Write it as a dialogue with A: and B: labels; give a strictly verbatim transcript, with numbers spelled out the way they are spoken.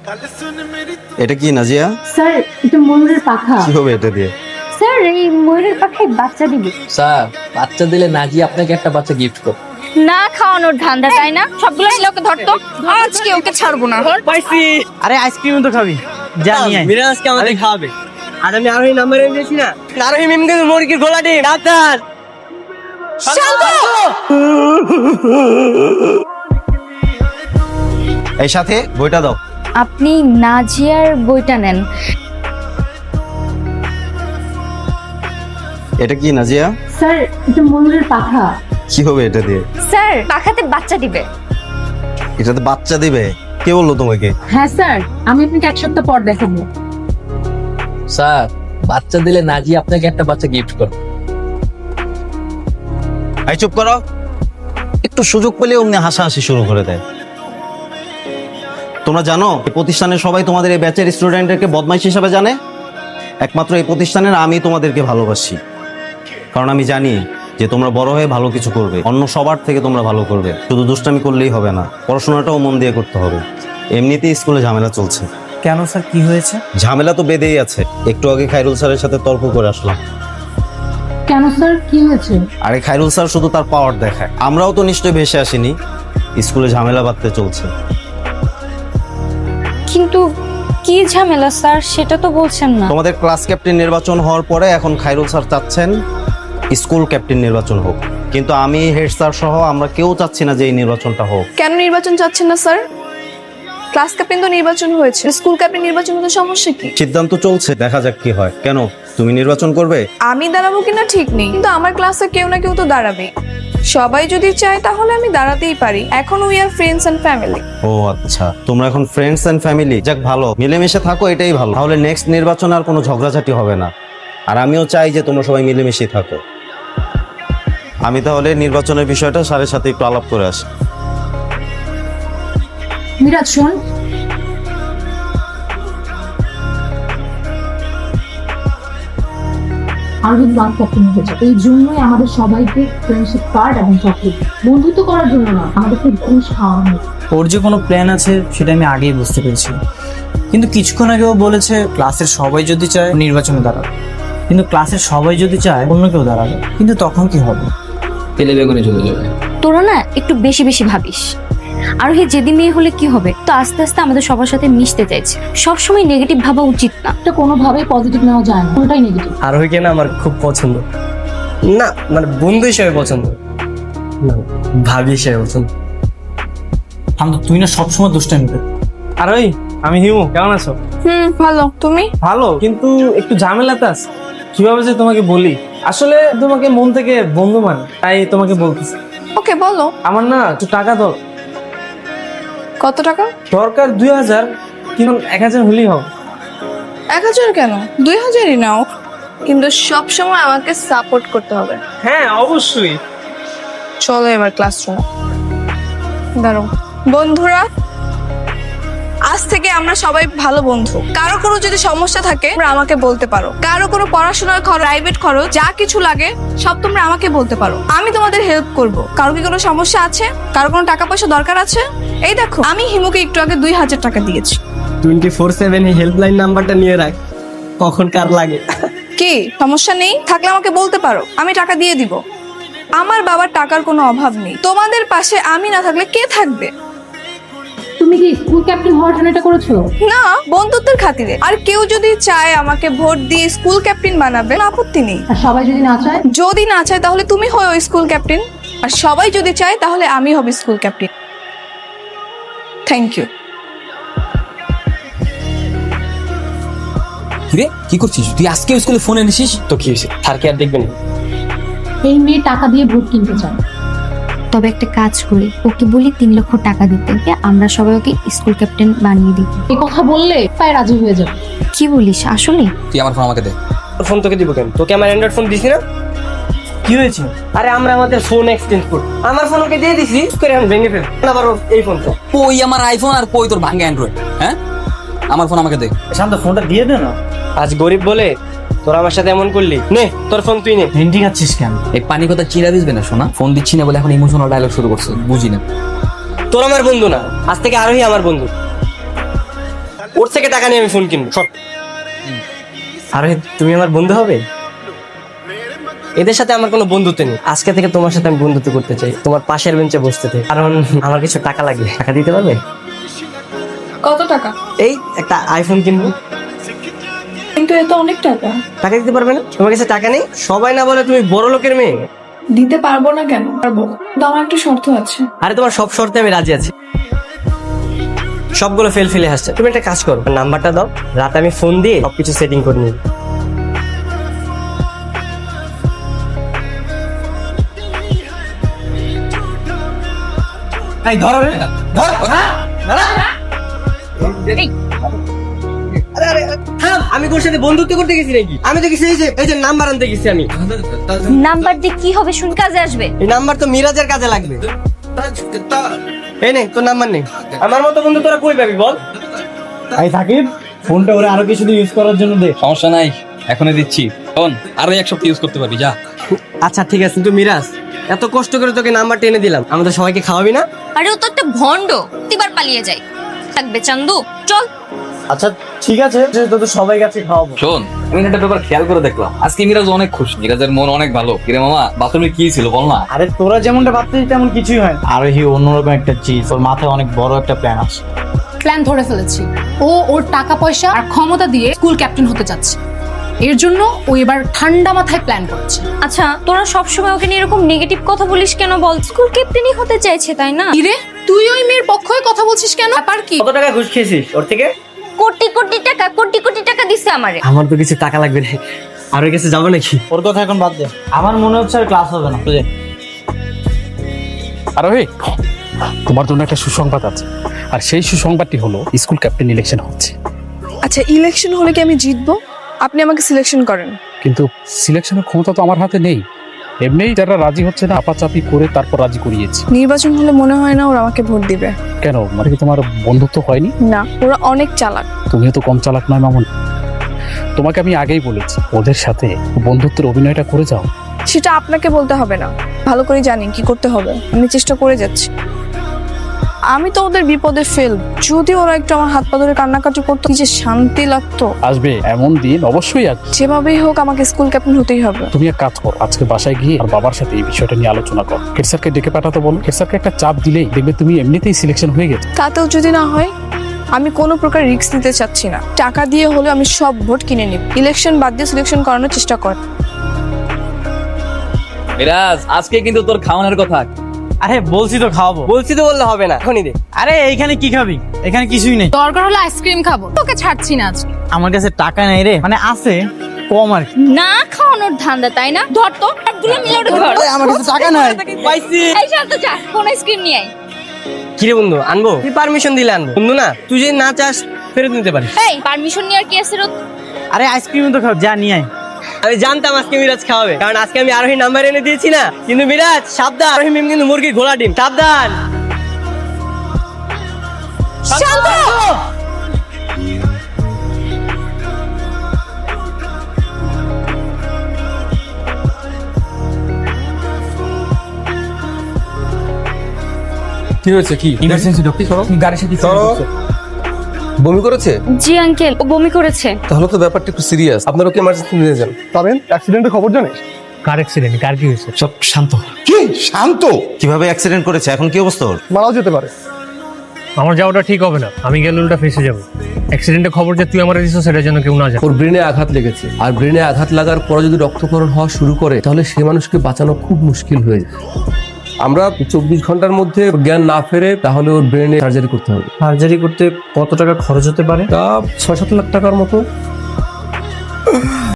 A: এটা কি নাজিয়া?
B: স্যার এটা ময়ূরের পাখা।
A: কি হবে এটা দিয়ে?
B: স্যার এই ময়ূরের পাখায় বাচ্চা দিবে।
C: স্যার বাচ্চা দিলে নাজি আপনাকে একটা বাচ্চা গিফট করবে।
B: না খাওয়ানোর ধান্দা তাই না? সবগুলো লোকে ধরতো, আজকে ওকে ছাড়বো না।
D: পাইছি। আরে আইসক্রিম তো খাবি, যা নিয়ে আয়। মিরাজ আজকে আমাদের খাওয়াবে। আর আমি আরোহী নাম্বার এনেছি না, আরোহী মিম কিন্তু মুরগির গোলা ডিম। ডাক্তার
A: এই সাথে বইটা দাও।
B: আপনি নাজিয়ার বইটা নেন।
A: এটা কি নাজিয়া?
B: স্যার এটা ময়ূরের পাখা।
A: কি হবে এটা দিয়ে?
B: স্যার পাখাতে বাচ্চা দিবে।
A: এটাতে বাচ্চা দিবে? কে বললো তোমাকে?
B: হ্যাঁ স্যার, আমি আপনাকে এক সপ্তাহ পর দেখাবো।
C: স্যার বাচ্চা দিলে নাজি আপনাকে একটা বাচ্চা গিফট করবে।
A: এই চুপ করো। একটু সুযোগ পেলে অমনি হাসাহাসি শুরু করে দেয়। তোমরা জানো এই প্রতিষ্ঠানের সবাই তোমাদের এই ব্যাচের স্টুডেন্টদেরকে বদমাইশ হিসাবে জানে। একমাত্র এই প্রতিষ্ঠানের আমি তোমাদেরকে ভালোবাসি, কারণ আমি জানি যে তোমরা বড় হয়ে ভালো কিছু করবে, অন্য সবার থেকে তোমরা ভালো করবে। শুধু দুষ্টামি করলেই হবে না, পড়াশোনাটাও মন দিয়ে করতে হবে। এমনিতেই স্কুলে ঝামেলা চলছে।
D: কেন স্যার, কি হয়েছে?
A: ঝামেলা তো বেঁধেই আছে। একটু আগে খায়রুল স্যারের সাথে তর্ক করে আসলাম।
B: কেন স্যার, কি হয়েছে?
A: আরে খায়রুল স্যার শুধু তার পাওয়ার দেখায়, আমরাও তো নিশ্চয়ই ভেসে আসিনি। স্কুলে ঝামেলা বাঁধতে চলছে।
B: কিন্তু কি ঝামেলা স্যার, সেটা তো বলছেন না।
A: তোমাদের ক্লাস ক্যাপ্টেন নির্বাচন হওয়ার পরে এখন খায়রুল স্যার চাচ্ছেন স্কুল ক্যাপ্টেন নির্বাচন হোক, কিন্তু আমি হেড স্যার সহ আমরা কেউ চাচ্ছি না যে এই নির্বাচনটা হোক।
E: কেন নির্বাচন চাচ্ছেন না স্যার? ক্লাস ক্যাপ্টেন তো নির্বাচন হয়েছে, স্কুল ক্যাপ্টেন নির্বাচন হতে সমস্যা কি?
A: সিদ্ধান্ত চলছে, দেখা যাক কি হয়। কেন, তুমি নির্বাচন করবে?
E: আমি দাঁড়াবো কিনা ঠিক নেই, কিন্তু আমার ক্লাসে কেউ না কেউ তো দাঁড়াবে। সবাই যদি চায় তাহলে আমি দাঁড়াতেই পারি। এখন we are friends and family.
A: ও আচ্ছা, তোমরা এখন ফ্রেন্ডস এন্ড ফ্যামিলি। যাক ভালো, মিলেমিশে থাকো, এটাই ভালো। তাহলে নেক্সট নির্বাচন আর কোনো ঝগড়াঝাটি হবে না। আর আমিও চাই যে তোমরা সবাই মিলেমিশে থাকো। আমি তাহলে নির্বাচনের বিষয়টা স্যারের সাথে একটু আলাপ করে আসি।
B: মিরাজ শোন, আর যদি বাদ পক্ষে নিতে চাই, এই জন্যই আমাদের সবাইকে ফ্রেন্ডশিপ কার্ড এবং চকলেট, বন্ধুত্ব করার জন্য না, আমাদেরকে ঘুষ খাওয়ানো।
D: ওর যে কোনো প্ল্যান আছে সেটা আমি আগেই বুঝতে পেরেছি, কিন্তু কিছুক্ষণ আগেও বলেছে ক্লাসের সবাই যদি চায় নির্বাচনে দাঁড়াবে, কিন্তু ক্লাসের সবাই যদি চায় অন্য কেউ দাঁড়াবে, কিন্তু তখন কি হবে?
C: তেলে বেগুনে চলে যাবে।
B: তোরা না একটু বেশি বেশি ভাবিস। আর হে যেদি মেয়ে হলে কি হবে, তো আস্তে আস্তে আমাদের সবার সাথে মিশতে চাইছে। সবসময় নেগেটিভ ভাবা উচিত না, এটা কোনোভাবেই পজিটিভ নেওয়া যায় না, কোনটাই নেগেটিভ।
D: আরোহীকে না আমার খুব পছন্দ, না মানে বন্ধু হিসেবে পছন্দ না, ভাবি হিসেবে পছন্দ। আমি তুই না সবসময় দুষ্টামি কর।
F: আরোহী, আমি হিমু, কেমন আছো?
E: হুম, ভালো। তুমি?
F: ভালো, কিন্তু একটু ঝামেলাতে আছি। কিভাবে যে তোমাকে বলি, আসলে তোমাকে মন থেকে বন্ধু মানে, তাই তোমাকে বলতেছি।
E: ওকে বলো।
F: আমার না একটু টাকা দর
E: কত টাকা?
F: দরকার দুই হাজার, কিন্তু এক হাজার হলেই হবে।
E: এক হাজার কেন, দুই হাজারই নাও, কিন্তু সব সময় আমাকে সাপোর্ট করতে হবে।
F: হ্যাঁ অবশ্যই।
E: চলো এবার ক্লাসরুমে। দাঁড়ো বন্ধুরা, আজ থেকে আমরা সবাই ভালো বন্ধু। কারো কোনো যদি সমস্যা থাকে তোমরা আমাকে বলতে পারো। কারো কোনো পড়াশোনার খরচ, প্রাইভেট খরচ, যা কিছু লাগে সব তোমরা আমাকে বলতে পারো, আমি তোমাদের হেল্প করব। কারো কি কোনো সমস্যা আছে? কারো কোনো টাকা পয়সা দরকার আছে? এই দেখো, আমি হিমুকে একটু আগে দুই হাজার টাকা দিয়েছি।
D: টোয়েন্টি ফোর সেভেন এই হেল্পলাইন নাম্বারটা নিয়ে রাখ, কখন কার লাগে।
E: কি সমস্যা নেই? থাকলে আমাকে বলতে পারো, আমি টাকা দিয়ে দিব। আমার বাবার টাকার কোনো অভাব নেই, তোমাদের পাশে আমি না থাকলে কে থাকবে?
B: তুমি কি স্কুল ক্যাপ্টেন হওয়ার জন্য এটা করেছো?
E: না, বন্ধুত্বের খাতিরে। আর কেউ যদি চায় আমাকে ভোট দিয়ে স্কুল ক্যাপ্টেন বানাবে, আপত্তি নেই।
B: আর সবাই যদি না চায়?
E: যদি না চায় তাহলে তুমি হও স্কুল ক্যাপ্টেন, আর সবাই যদি চায় তাহলে আমি হব স্কুল ক্যাপ্টেন। Thank you.
C: কিরে কি করছিস তুই? আজকে স্কুলে ফোন এনেছিস তো কি হয়েছে? স্যার কি আর দেখবেন?
B: এই মেয়ে টাকা দিয়ে ভোট কিনতে চায়। তবে একটা কাজ করি, ওকে বলি তিন লক্ষ টাকা দিতে, আমরা সবাই ওকে স্কুল ক্যাপ্টেন বানিয়ে দিই। এই কথা বললে তাই রাজি হয়ে যাবে। কি বলিস আসলে?
C: তুই আমার ফোন আমাকে দে।
D: ফোন তোকে দিব কেন? তোকে আমার অ্যান্ড্রয়েড ফোন দিছি না?
F: কি হয়েছে?
D: আরে আমরা আমাদের ফোন এক্সচেঞ্জ করি, আমার ফোন ওকে দিয়ে দিছি, করে আমি ভেঙে ফেল আবার এই ফোন তো।
C: কই আমার আইফোন আর কই তোর ভাঙা অ্যান্ড্রয়েড? হ্যাঁ, আমার ফোন আমাকে দে।
F: শান্ত, ফোনটা দিয়ে দে না।
D: আজ গরিব বলে তোর আমার সাথে এমন করলি, নে তোর ফোন তুই নে।
F: ভেন্ডি খাচ্ছিস কেন?
C: এই পানি কথা চিরা দিসবে না শোনা। ফোন দিচ্ছি না বলে এখন ইমোশনাল ডায়লগ শুরু করছে, বুঝি না।
D: তোর আমার বন্ধু না, আজ থেকে আরোহী আমার বন্ধু।
G: ওর থেকে টাকা নিয়ে আমি ফোন কিনবো। সর। আরে তুমি আমার বন্ধু হবে? এদের সাথে আমার কোনো বন্ধুত্ব নেই। আজকে থেকে তোমার সাথে আমি বন্ধুত্ব করতে চাই, তোমার পাশের বেঞ্চে বসতে চাই, কারণ আমার কিছু টাকা লাগবে। টাকা দিতে পারবে?
E: কত টাকা?
G: এই একটা আইফোন কিনবো।
E: কিন্তু এত অনেক টাকা।
G: টাকা দিতে পারবে না? তোমার কাছে টাকা নেই? সবাই না বলে তুমি বড় লোকের মেয়ে।
E: দিতে পারবো না কেন? পারবো, কিন্তু আমার একটা শর্ত আছে।
G: আরে তোমার সব শর্তে আমি রাজি আছি। সবগুলো ফেল ফেলে আসছে। তুমি একটা কাজ করো, নাম্বারটা দাও, রাতে আমি ফোন দিয়ে সবকিছু সেটিং করে নিই।
D: এই ধরো রে, ধর।
G: আরে আরে থাম, আমি তোর সাথে বন্ধুত্ব করতে গেছি নাকি? আমি তো গেছি এই যে এই যে নাম্বার আনতে গেছি আমি।
B: নাম্বার দিয়ে কি হবে? শুন, কাজে আসবে।
G: এই নাম্বার তো মিরাজের কাজে লাগবে। এই নে তোর নাম্বার নেই। আমার মতো বন্ধু তোরা কই পাবি বল?
D: এই সাকিব, ফোনটা ওরে আরো কিছুদিন ইউজ করার জন্য দে।
H: সমস্যা নাই, এখনই দিচ্ছি। শোন, আরো এক সপ্তাহ ইউজ করতে পারবি, যা।
G: আচ্ছা ঠিক আছে, কিন্তু মিরাজ এত কষ্ট করে তোকে নাম্বার টেনে দিলাম, আমাদের সবাইকে খাওয়াবি না?
B: আরে ও তো একটা ভন্ড, প্রতিবার পালিয়ে যায়। থাকবে চান্দু, চল।
D: আচ্ছা ঠিক আছে, তো তো সবাই কাছে খাওয়াবো।
H: শোন, আমি একটা ব্যাপার খেয়াল করে দেখলাম, আজকে মিরাজ অনেক খুশি, মিরাজের মন অনেক ভালো। কিরে মামা, বাথরুমে কি ছিল বল না?
D: আরে তোরা যেমনটা ভাবছিস তেমন কিছুই হয় না। আরোহী অন্যরকম একটা চিজ, ওর মাথায় অনেক বড় একটা প্ল্যান আছে।
I: প্ল্যান ধরে ফেলেছি। ও ওর টাকা পয়সা আর ক্ষমতা দিয়ে স্কুল ক্যাপ্টেন হতে যাচ্ছে। এর জন্য ও এবার ঠান্ডা মাথায় প্ল্যান করেছে।
B: আচ্ছা, তোরা সবসময় ওকে নিয়ে এরকম নেগেটিভ কথা বলিস কেন বল? স্কুল ক্যাপ্টেনই হতে চাইছে, তাই না?
I: ইরে, তুই ওই মেয়ের পক্ষ হয়ে কথা বলছিস কেন? ব্যাপার কি?
G: কত টাকা ঘুষ খেয়েছিস ওর থেকে?
B: কোটি কোটি টাকা, কোটি কোটি টাকা দিছে আমারে।
G: আমার তো কিছু টাকা লাগবে না, আর ওর কাছে যাবো নাকি?
D: ওর কথা এখন বাদ দে, আমার মনে হচ্ছে আর ক্লাস হবে না, বুঝে?
J: আরোহী, তোমার জন্য একটা সুসংবাদ আছে, আর সেই সুসংবাদটি হলো স্কুল ক্যাপ্টেন ইলেকশন হচ্ছে।
E: আচ্ছা, ইলেকশন হলে কি আমি জিতবো? আপনি আমাকে সিলেকশন করেন।
J: কিন্তু সিলেকশনের ক্ষমতা তো আমার হাতে নেই। এমনিই যারা রাজি হচ্ছে না, আপাচাপি করে তারপর রাজি করিয়েছি।
E: নির্বাচন হলে মনে হয় না ওরা আমাকে ভোট দিবে।
J: কেন, মানে কি তোমার বন্ধুত্ব হয়নি?
E: না, ওরা অনেক চালাক।
J: তুমিও তো কম চালাক নয় মামুন। তোমাকে আমি আগেই বলেছি, ওদের সাথে বন্ধুত্বের অভিনয়টা করে যাও।
E: সেটা আপনাকে বলতে হবে না, ভালো করে জানি কি করতে হবে। আমি চেষ্টা করে যাচ্ছি। আমি তো ওদের বিপদে ফেল। যদি ওরা একটু আমার হাত পা ধরে কান্নাকাটি করতো, কি যে শান্তি লাগতো।
J: আসবে এমন দিন, অবশ্যই আসবে।
E: যেভাবেই হোক আমাকে স্কুল ক্যাপ্টেন হতেই হবে।
J: তুমি এক কাজ করো, আজকে বাসায় গিয়ে আর বাবার সাথে এই বিষয়টা নিয়ে আলোচনা করো। হেড স্যারকে ডেকে পাঠাতে বলো। হেড স্যারকে একটা চাপ দিলেই দেখবে তুমি এমনিতেই সিলেকশন হয়ে গেছে।
E: তাতেও যদি না হয়, আমি কোনো প্রকার রিস্ক নিতে চাচ্ছি না। টাকা দিয়ে হলে আমি সব ভোট কিনে নিব। ইলেকশন বাদ দিয়ে সিলেকশন করানোর চেষ্টা কর।
H: মিরাজ, আজকে কিন্তু তোর খাওয়ানোর কথা।
D: আরে বলছি তো খাওয়াবো।
G: বলছি তো বললে হবে না, এখনই দে।
D: আরে এইখানে কি খাবি? এখানে কিছুই নেই।
I: দরকার হলে আইসক্রিম খাবো, তোকে ছাড়ছি না আজকে।
D: আমার কাছে টাকা নেই রে, মানে আছে কম আর কি।
B: না খাওয়ানোর ধান্দা, তাই না? ধর তো, সবগুলো মিলে ওটা ধর।
D: আরে আমার কাছে টাকা নাই।
G: পাইছি।
B: এই শান্ত চা, কোন আইসক্রিম নিয়ে আয়।
G: কিরে বন্ধু, আনবো? তুই পারমিশন দিলে আনবো। বন্ধু না, তুই যদি না চাস ফেরত নিতে পারিস।
B: এই পারমিশন নিয়ে আর কি আছে?
D: আরে আইসক্রিম তো খাও, যা নিয়ে আয়।
G: আমি জানতাম আজকে মিরাজ খাওয়াবে, কারণ আজকে আমি আরোহী নাম্বার এনে দিয়েছি না। কিন্তু মিরাজ সাবধান, আরোহী মিম কিন্তু মুরগির ঘোড়া ডিম, সাবধান।
H: কি হয়েছে? কি ইমার্জেন্সি ডক্টর? করো গাড়ির সাথে করো।
K: বমি করেছে?
B: জি আঙ্কেল, ও বমি করেছে।
K: তাহলে তো ব্যাপারটা একটু সিরিয়াস, আপনারা ওকে ইমার্জেন্সি নিয়ে যান। পাবেন অ্যাক্সিডেন্টের খবর জানিস?
D: কার অ্যাক্সিডেন্ট? কার কি হয়েছে?
J: সব শান্ত।
K: কি শান্ত?
A: কিভাবে অ্যাক্সিডেন্ট করেছে, এখন কি অবস্থা ওর?
K: মারাও যেতে পারে।
L: আমার যাওয়াটা ঠিক হবে না, আমি গেলে উল্টা ফেসে যাবো। অ্যাক্সিডেন্টের খবর যে তুই আমার দিছিস সেটা যেন কেউ না জানে।
K: ওর ব্রেনে আঘাত লেগেছে, আর ব্রেনে আঘাত লাগার পরে যদি রক্তক্ষরণ হওয়া শুরু করে তাহলে সে মানুষকে বাঁচানো খুব মুশকিল হয়ে যায়। আমরা চব্বিশ ঘন্টার মধ্যে জ্ঞান না ফেরে তাহলে ওর ব্রেনে সার্জারি করতে হবে।
D: সার্জারি করতে কত টাকা খরচ হতে পারে?
K: তা ছয় সাত লাখ টাকার মতো।